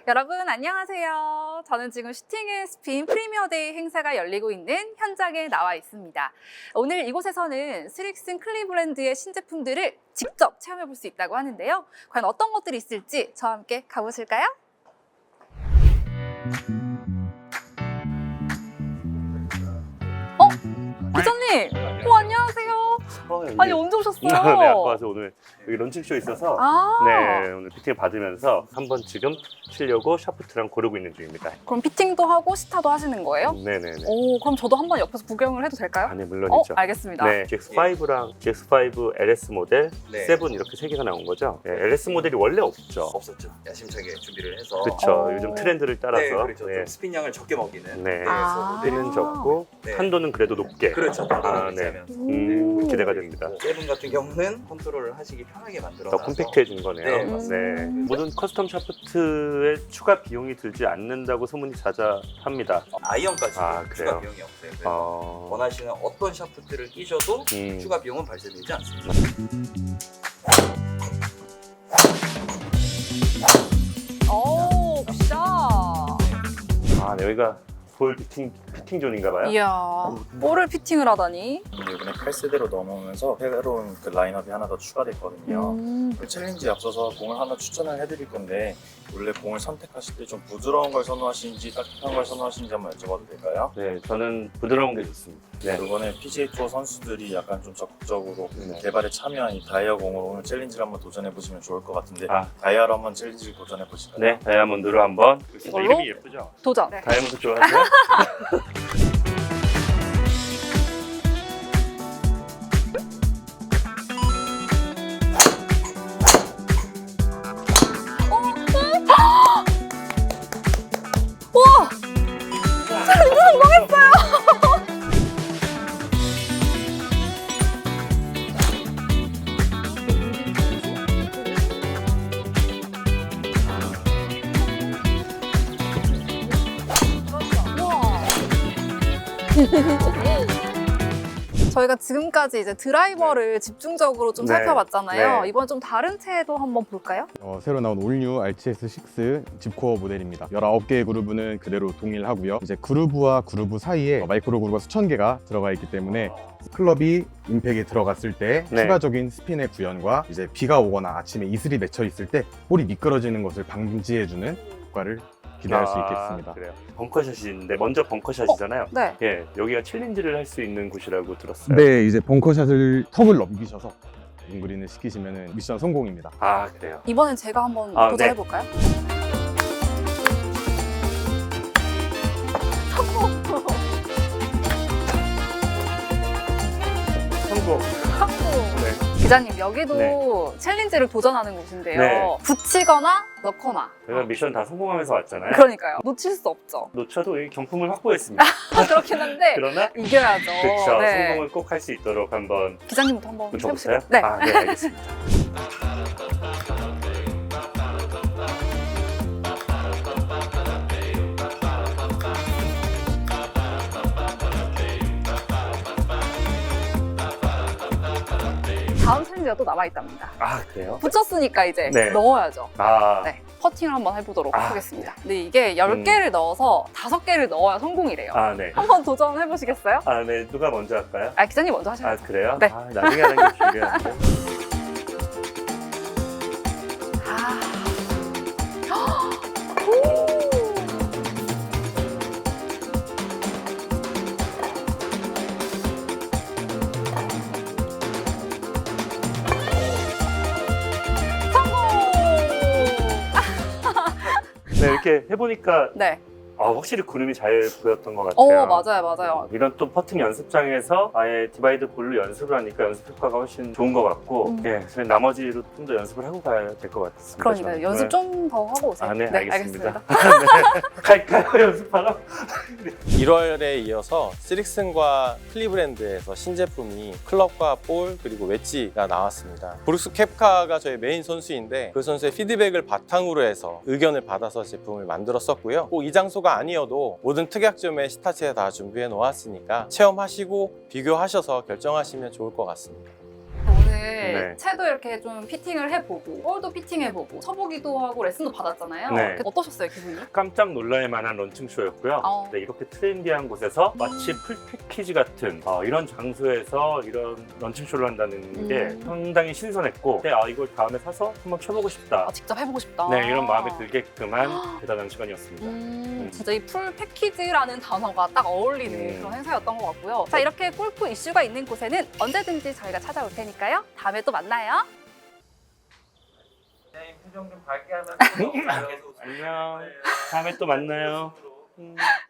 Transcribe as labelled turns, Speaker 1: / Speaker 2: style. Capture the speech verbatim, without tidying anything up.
Speaker 1: 여러분 안녕하세요. 저는 지금 슈팅 앤 스핀 프리미어데이 행사가 열리고 있는 현장에 나와 있습니다. 오늘 이곳에서는 스릭슨 클리브랜드의 신제품들을 직접 체험해 볼 수 있다고 하는데요. 과연 어떤 것들이 있을지 저와 함께 가보실까요? 어? 기자님! 어, 안녕하세요.
Speaker 2: 어,
Speaker 1: 아니 언제 오셨어요?
Speaker 2: 네, 아까 와서 오늘 여기 런칭쇼 있어서
Speaker 1: 아
Speaker 2: 네, 오늘 피팅 받으면서 한번 지금 치려고 샤프트랑 고르고 있는 중입니다.
Speaker 1: 그럼 피팅도 하고 시타도 하시는 거예요?
Speaker 2: 네네네.
Speaker 1: 오, 그럼 저도 한번 옆에서 구경을 해도 될까요?
Speaker 2: 아, 네,
Speaker 1: 어,
Speaker 2: 물론이죠.
Speaker 1: 알겠습니다.
Speaker 2: 네, 지엑스 파이브랑 지엑스 파이브 엘에스 모델,
Speaker 3: 네.
Speaker 2: 세븐 이렇게 세 개가 나온 거죠. 네, 엘에스 모델이 원래 없죠.
Speaker 3: 없었죠. 야심차게 준비를 해서.
Speaker 2: 그렇죠.
Speaker 1: 어.
Speaker 2: 요즘 트렌드를 따라서.
Speaker 3: 네, 그렇죠.
Speaker 2: 네.
Speaker 3: 좀 스핀량을 적게 먹이는.
Speaker 2: 네.
Speaker 1: 아.
Speaker 2: 스피는 적고
Speaker 3: 네.
Speaker 2: 한도는 그래도 높게.
Speaker 3: 그렇죠.
Speaker 2: 아, 네. 음, 기대가 됩니다.
Speaker 3: 세븐 같은 경우는 컨트롤을 하시기 편하게 만들어
Speaker 2: 더
Speaker 3: 놔서
Speaker 2: 콤팩트해진 거네요.
Speaker 3: 네,
Speaker 1: 맞습니다.
Speaker 2: 모든 커스텀 샤프트에 추가 비용이 들지 않는다고 소문이 자자합니다.
Speaker 3: 아이언까지
Speaker 2: 아,
Speaker 3: 추가
Speaker 2: 그래요?
Speaker 3: 비용이 없어요. 그래서
Speaker 2: 어...
Speaker 3: 원하시는 어떤 샤프트를 끼셔도
Speaker 2: 음.
Speaker 3: 추가 비용은 발생되지 않습니다.
Speaker 1: 오, 굿샷.
Speaker 2: 아, 네, 여기가 볼 피팅, 피팅 존인가 봐요?
Speaker 1: 이야, 볼을 피팅을 하다니.
Speaker 4: 이번에 팔 세대로 넘어오면서 새로운 그 라인업이 하나 더 추가됐거든요.
Speaker 1: 음,
Speaker 4: 그 챌린지에 앞서서 공을 하나 추천을 해드릴 건데 원래 공을 선택하실 때 좀 부드러운 걸 선호하시는지 따뜻한 걸 선호하시는지 한번 여쭤봐도 될까요?
Speaker 2: 네, 저는 부드러운 게 좋습니다. 네.
Speaker 4: 이번에 피지에이 투어 선수들이 약간 좀 적극적으로
Speaker 2: 네.
Speaker 4: 개발에 참여한 이 다이아 공을 오늘 챌린지를 한번 도전해 보시면 좋을 것 같은데
Speaker 2: 아.
Speaker 4: 다이아로 한번 챌린지를 도전해 보실까요?
Speaker 2: 네, 다이아몬드로 한번.
Speaker 1: 이걸로?
Speaker 2: 이름이 예쁘죠?
Speaker 1: 도전.
Speaker 2: 다이아몬드 좋아하세요?
Speaker 1: 우와! 이거 성공했어요! 우와. 저희가 지금까지 이제 드라이버를 집중적으로 좀
Speaker 2: 네.
Speaker 1: 살펴봤잖아요.
Speaker 2: 네.
Speaker 1: 이번 좀 다른 채도 한번 볼까요?
Speaker 5: 어, 새로 나온 올뉴 알티에스 식스 집코어 모델입니다. 열아홉 개의 그루브는 그대로 동일하고요. 이제 그루브와 그루브 사이에 마이크로 그루브가 수천 개가 들어가 있기 때문에 클럽이 임팩에 들어갔을 때
Speaker 2: 네.
Speaker 5: 추가적인 스핀의 구현과 이제 비가 오거나 아침에 이슬이 맺혀 있을 때 볼이 미끄러지는 것을 방지해주는 효과를 기대할 수 있겠습니다.
Speaker 2: 아, 그래요. 벙커샷인데 먼저 벙커샷이잖아요.
Speaker 1: 네.
Speaker 2: 예, 여기가 챌린지를 할 수 있는 곳이라고 들었어요.
Speaker 5: 네, 이제 벙커샷을 턱을 넘기셔서 윙그린을 시키시면 미션 성공입니다.
Speaker 2: 아, 그래요.
Speaker 1: 이번엔 제가 한번
Speaker 2: 아,
Speaker 1: 도전해볼까요?
Speaker 2: 성공. 네.
Speaker 1: 기자님, 여기도
Speaker 2: 네.
Speaker 1: 챌린지를 도전하는 곳인데요.
Speaker 2: 네.
Speaker 1: 붙이거나 넣거나.
Speaker 2: 저희가 미션 다 성공하면서 왔잖아요.
Speaker 1: 그러니까요. 놓칠 수 없죠.
Speaker 2: 놓쳐도 이 경품을 확보했습니다.
Speaker 1: 그렇긴 한데
Speaker 2: 그러나
Speaker 1: 이겨야죠.
Speaker 2: 그렇죠.
Speaker 1: 네.
Speaker 2: 성공을 꼭 할 수 있도록 한번
Speaker 1: 기자님부터 한번
Speaker 2: 붙여보세요.
Speaker 1: 해보실까요? 네.
Speaker 2: 아, 네, 알겠습니다.
Speaker 1: 다음 챌린지가 또 남아있답니다.
Speaker 2: 아, 그래요?
Speaker 1: 붙였으니까 이제
Speaker 2: 네.
Speaker 1: 넣어야죠.
Speaker 2: 아,
Speaker 1: 네. 퍼팅을 한번 해보도록
Speaker 2: 아,
Speaker 1: 하겠습니다. 근데 이게 열 개를 넣어서 다섯 개를 넣어야 성공이래요.
Speaker 2: 아, 네.
Speaker 1: 한번 도전해보시겠어요?
Speaker 2: 아, 네. 누가 먼저 할까요?
Speaker 1: 아, 기자님 먼저
Speaker 2: 아,
Speaker 1: 하셔야죠.
Speaker 2: 그래요?
Speaker 1: 네.
Speaker 2: 아, 나중에 하는 게 중요한데.
Speaker 1: 아.
Speaker 2: 네, 이렇게 해보니까
Speaker 1: 네.
Speaker 2: 아, 확실히 구름이 잘 보였던 것
Speaker 1: 어,
Speaker 2: 같아요.
Speaker 1: 맞아요, 맞아요.
Speaker 2: 이런 또 퍼팅 연습장에서 아예 디바이드 볼로 연습을 하니까 연습 효과가 훨씬 좋은 것 같고,
Speaker 1: 음.
Speaker 2: 예, 그래서 나머지로 좀 더 연습을 하고 가야 될 것 같습니다.
Speaker 1: 그러니까
Speaker 2: 저는.
Speaker 1: 연습
Speaker 2: 네.
Speaker 1: 좀 더 하고 오세요.
Speaker 2: 아, 네, 알겠습니다.
Speaker 1: 알겠습니다.
Speaker 2: 네. 갈까요, 연습하러?
Speaker 6: 일월에 이어서 스릭슨과 클리브랜드에서 신제품이 클럽과 볼 그리고 웨지가 나왔습니다. 브룩스 캡카가 저희 메인 선수인데 그 선수의 피드백을 바탕으로 해서 의견을 받아서 제품을 만들었었고요. 꼭 이 장소가 아니어도 모든 특약점에 시타치에 다 준비해 놓았으니까 체험하시고 비교하셔서 결정하시면 좋을 것 같습니다.
Speaker 1: 오늘
Speaker 2: 네.
Speaker 1: 채도 이렇게 좀 피팅을 해보고 볼도 피팅해보고 쳐보기도 하고 레슨도 받았잖아요.
Speaker 2: 네.
Speaker 1: 어떠셨어요, 기분이?
Speaker 2: 깜짝 놀랄 만한 런칭쇼였고요.
Speaker 1: 어.
Speaker 2: 네, 이렇게 트렌디한 곳에서 마치 풀 패키지 같은 어, 이런 장소에서 이런 런칭쇼를 한다는 게
Speaker 1: 음.
Speaker 2: 상당히 신선했고 네, 아, 이걸 다음에 사서 한번 쳐보고 싶다.
Speaker 1: 아, 직접 해보고 싶다.
Speaker 2: 네, 이런 마음이 들게끔한 대단한 시간이었습니다.
Speaker 1: 음, 진짜 이 풀 패키지라는 단어가 딱 어울리는
Speaker 2: 음.
Speaker 1: 그런 행사였던 것 같고요. 자, 이렇게 골프 이슈가 있는 곳에는 언제든지 저희가 찾아올 테니까요. 다음에 또 만나요.
Speaker 2: 안녕. 다음에 또 만나요. 음.